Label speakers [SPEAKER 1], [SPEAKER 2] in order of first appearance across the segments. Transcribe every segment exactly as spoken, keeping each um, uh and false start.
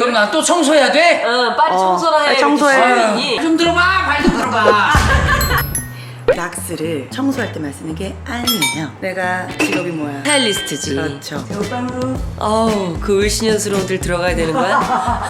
[SPEAKER 1] 그럼 나 또 청소해야 돼?
[SPEAKER 2] 응, 빨리
[SPEAKER 3] 어,
[SPEAKER 2] 청소나 해.
[SPEAKER 3] 빨리 청소해.
[SPEAKER 2] 청소해.
[SPEAKER 1] 좀 들어봐, 발 좀 들어봐.
[SPEAKER 3] 락스를 청소할 때만 쓰는 게 아니에요. 내가 직업이 뭐야?
[SPEAKER 2] 스타일리스트지.
[SPEAKER 3] 그렇죠. 제오빵으로
[SPEAKER 2] 아우, 그 을씨년스러운들 들어가야 되는 거야? 와.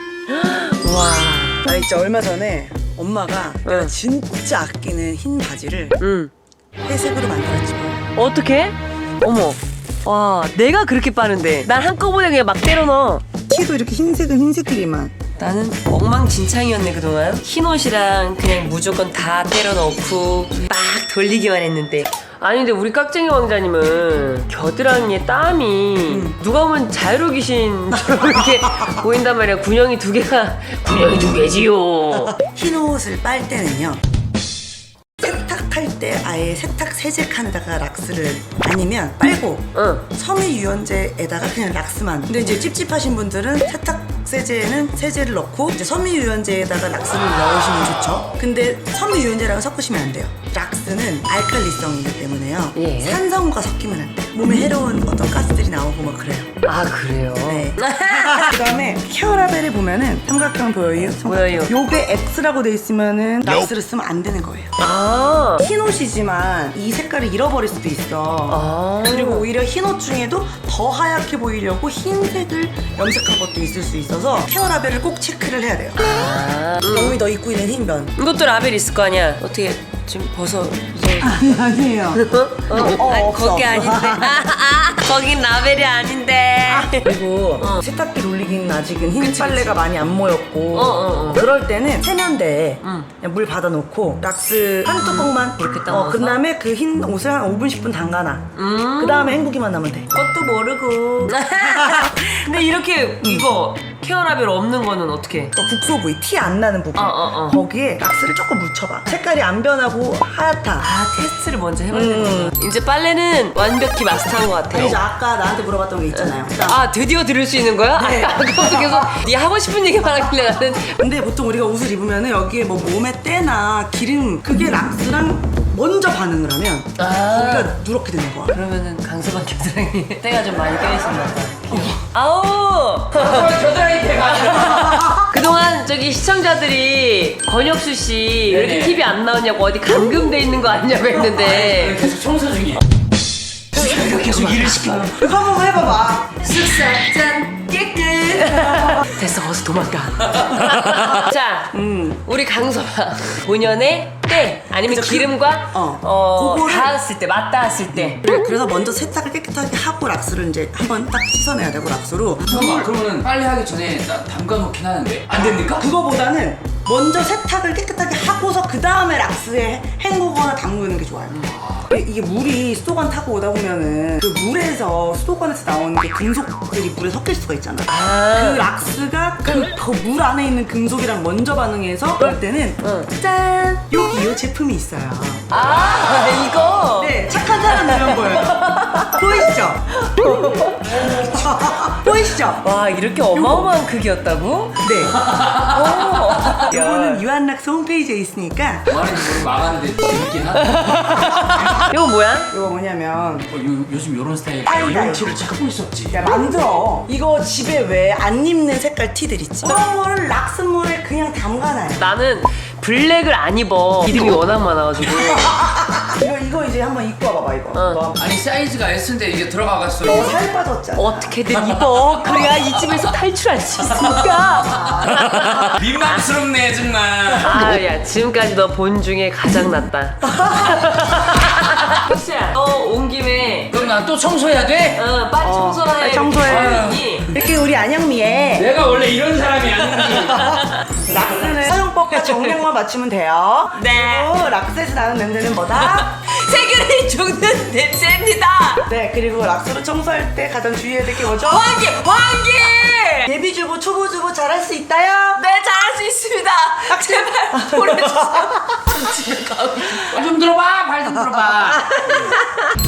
[SPEAKER 3] 나 진짜 얼마 전에 엄마가 내가
[SPEAKER 2] 응.
[SPEAKER 3] 진짜 아끼는 흰 바지를
[SPEAKER 2] 응.
[SPEAKER 3] 회색으로 만들었지.
[SPEAKER 2] 어떻게? 어머. 와, 내가 그렇게 빠는데. 난 한꺼번에 그냥 막 때려 넣어.
[SPEAKER 3] 티도 이렇게 흰색은 흰색끼리만.
[SPEAKER 2] 나는 엉망진창이었네 그동안. 흰 옷이랑 그냥 무조건 다 때려 넣고 막 돌리기만 했는데. 아니 근데 우리 깍쟁이 왕자님은 겨드랑이에 땀이 누가 보면 자유로 귀신처럼 이렇게 보인단 말이야. 군형이 두 개가 군형이 두 개지요.
[SPEAKER 3] 흰 옷을 빨 때는요. 세탁할 때 아예 세탁 세제 칸에다가 락스를 아니면 빨고
[SPEAKER 2] 응.
[SPEAKER 3] 섬유유연제에다가 그냥 락스만. 근데 이제 찝찝하신 분들은 세탁 세제에는 세제를 넣고 이제 섬유유연제에다가 락스를 넣으시면 좋죠. 근데 섬유유연제랑 섞으시면 안 돼요. 락스는 알칼리성이기 때문에요.
[SPEAKER 2] 예.
[SPEAKER 3] 산성과 섞이면 안 돼. 몸에 해로운 어떤 가스들이 나오고 막 그래요.
[SPEAKER 2] 아 그래요?
[SPEAKER 3] 네. 그다음에 케어라벨에 보면은 삼각형 보여요?
[SPEAKER 2] 보여요.
[SPEAKER 3] 요게 X라고 돼 있으면은 락스를 쓰면 안 되는 거예요.
[SPEAKER 2] 아.
[SPEAKER 3] 흰 옷이지만 이 색깔을 잃어버릴 수도 있어.
[SPEAKER 2] 아.
[SPEAKER 3] 그리고 오히려 흰 옷 중에도 더 하얗게 보이려고 흰색을 염색한 것도 있을 수 있어서 케어라벨을 꼭 체크를 해야 돼요.
[SPEAKER 2] 아.
[SPEAKER 3] 너무 너 입고 있는 흰 면.
[SPEAKER 2] 이것도 라벨 있을 거 아니야. 어떻게 지금 벗어. 이제.
[SPEAKER 3] 아니 아니에요.
[SPEAKER 2] 어?
[SPEAKER 3] 어,
[SPEAKER 2] 아니,
[SPEAKER 3] 없어.
[SPEAKER 2] 거기 아닌데. 아, 아, 거긴 라벨이 아닌데.
[SPEAKER 3] 그리고
[SPEAKER 2] 어.
[SPEAKER 3] 세탁기 돌리기는 아직은 흰 빨래가 많이 안 모였고
[SPEAKER 2] 어, 어, 어.
[SPEAKER 3] 그럴 때는 세면대에
[SPEAKER 2] 응.
[SPEAKER 3] 그냥 물 받아놓고 락스 한 뚜껑만
[SPEAKER 2] 이렇게
[SPEAKER 3] 어,
[SPEAKER 2] 담아서?
[SPEAKER 3] 그 다음에 그 흰 옷을 한 오 분 십 분 담가놔.
[SPEAKER 2] 음.
[SPEAKER 3] 그 다음에 헹구기만 하면 돼.
[SPEAKER 2] 그것도 모르고. 근데 이렇게 이거 케어라벨 없는 거는 어떻게?
[SPEAKER 3] 어, 국소 부위 티 안 나는 부분
[SPEAKER 2] 어, 어, 어.
[SPEAKER 3] 거기에 락스를 조금 묻혀봐. 색깔이 안 변하고 하얗다.
[SPEAKER 2] 아 테스트를 먼저 해봐야
[SPEAKER 3] 음.
[SPEAKER 2] 되는구나. 이제 빨래는 완벽히 마스터한 것 같아요.
[SPEAKER 3] 아니죠, 아까 나한테 물어봤던 게 있잖아요.
[SPEAKER 2] 아 드디어 들을 수 있는 거야?
[SPEAKER 3] 네.
[SPEAKER 2] 아까 아까부터 계속 네 하고 싶은 얘기만 하길래 나는.
[SPEAKER 3] 근데 보통 우리가 옷을 입으면은 여기에 뭐 몸에 때나 기름 그게 락스랑 먼저 반응을 하면
[SPEAKER 2] 아.
[SPEAKER 3] 거기가 누렇게 되는 거야.
[SPEAKER 2] 그러면은 강서방 겨드랑이 때가 좀 많이 껴있었나 봐. 아우!
[SPEAKER 1] 겨드랑이 대가.
[SPEAKER 2] 그동안 저기 시청자들이 권혁수 씨 왜 이렇게
[SPEAKER 1] 네네.
[SPEAKER 2] 티비 안 나오냐고 어디 감금돼 있는 거 아니냐고 했는데
[SPEAKER 1] 계속 청소 중이야. 계속 일을 시켜요.
[SPEAKER 3] 이거 한번 해봐봐.
[SPEAKER 2] 쓱싹짠 깨끗. 됐어 어서 도망가. 자
[SPEAKER 3] 음.
[SPEAKER 2] 우리 강서방 본연의 때 아니면
[SPEAKER 3] 그죠, 그-
[SPEAKER 2] 기름과
[SPEAKER 3] 어.
[SPEAKER 2] 어,
[SPEAKER 3] 그거를-
[SPEAKER 2] 닿았을 때 맞닿았을 때
[SPEAKER 3] 그래, 그래서 먼저 세탁을 깨끗하게 하고 락스를 이제 한번 딱 씻어내야 되고 락스로.
[SPEAKER 1] 잠깐만, 그러면은 빨래 하기 전에 나 담가 놓긴 하는데 안 됩니까?
[SPEAKER 3] 그거보다는 먼저 세탁을 깨끗하게 하고서 그 다음에 락스에 헹구거나 담그는 게 좋아요. 이게 물이 수도관 타고 오다 보면은 그 물에서 수도관에서 나오는 그 금속들이 물에 섞일 수가 있잖아.
[SPEAKER 2] 아.
[SPEAKER 3] 그 락스가 그 물 안에 있는 금속이랑 먼저 반응해서 그럴 때는
[SPEAKER 2] 응.
[SPEAKER 3] 짠! 여기 이 제품이 있어요.
[SPEAKER 2] 아 이거
[SPEAKER 3] 네, 착한 사람 이런 거예요. 보이시죠? 보이시죠?
[SPEAKER 2] 와 이렇게 어마어마한 크기였다고?
[SPEAKER 3] 네.
[SPEAKER 2] 오.
[SPEAKER 3] 이거는 유한락스 홈페이지에 있으니까.
[SPEAKER 1] 뭐 하는지 모르고 막았는데 재밌긴 하다.
[SPEAKER 2] 이거 뭐야?
[SPEAKER 3] 이거 뭐냐면
[SPEAKER 1] 어, 요, 요즘 요런 스타일
[SPEAKER 3] 아이고,
[SPEAKER 1] 이런
[SPEAKER 3] 아이고.
[SPEAKER 1] 티를 찾고 있었지.
[SPEAKER 3] 야 만들어. 이거 집에 왜 안 입는 색깔 티들 있지? 그런 거를 락스물에 그냥 담가놔요.
[SPEAKER 2] 나는 블랙을 안 입어. 이름이 워낙 많아가지고.
[SPEAKER 3] 이거 이거 이제 한번 입고 와봐봐 이거.
[SPEAKER 2] 어.
[SPEAKER 3] 너
[SPEAKER 1] 아니 사이즈가 S인데 이게 들어가갔어.
[SPEAKER 3] 너 살 빠졌잖아.
[SPEAKER 2] 어떻게든 입어. 그래야 이 집에서 탈출할 수 있으니까.
[SPEAKER 1] 민망스럽네 정말.
[SPEAKER 2] 아, 야, 지금까지 너 본 중에 가장 낫다. 혹시야, 너 온 김에
[SPEAKER 1] 그럼 나 또 청소해야 돼?
[SPEAKER 2] 어, 빨리 청소나 해.
[SPEAKER 3] 빨리 청소해.
[SPEAKER 2] 아니,
[SPEAKER 3] 이렇게 우리 안영미의
[SPEAKER 1] 내가 원래 이런 사람이 아닌지.
[SPEAKER 3] 락스는 사용법과 정량만 맞추면 돼요.
[SPEAKER 2] 네.
[SPEAKER 3] 그리고 락스에서 나는 냄새는 뭐다?
[SPEAKER 2] 세균이 죽는 냄새입니다.
[SPEAKER 3] 네, 그리고 락스로 청소할 때 가장 주의해야 될 게 뭐죠?
[SPEAKER 2] 환기, 환기.
[SPEAKER 3] 예비주부, 초보주부 잘할 수 있다요?
[SPEAKER 2] 네, 잘할 수 있습니다. 제발 보내주세요. 좀 집에 가고 싶어.
[SPEAKER 1] 발 좀 들어봐, 발 좀 들어봐.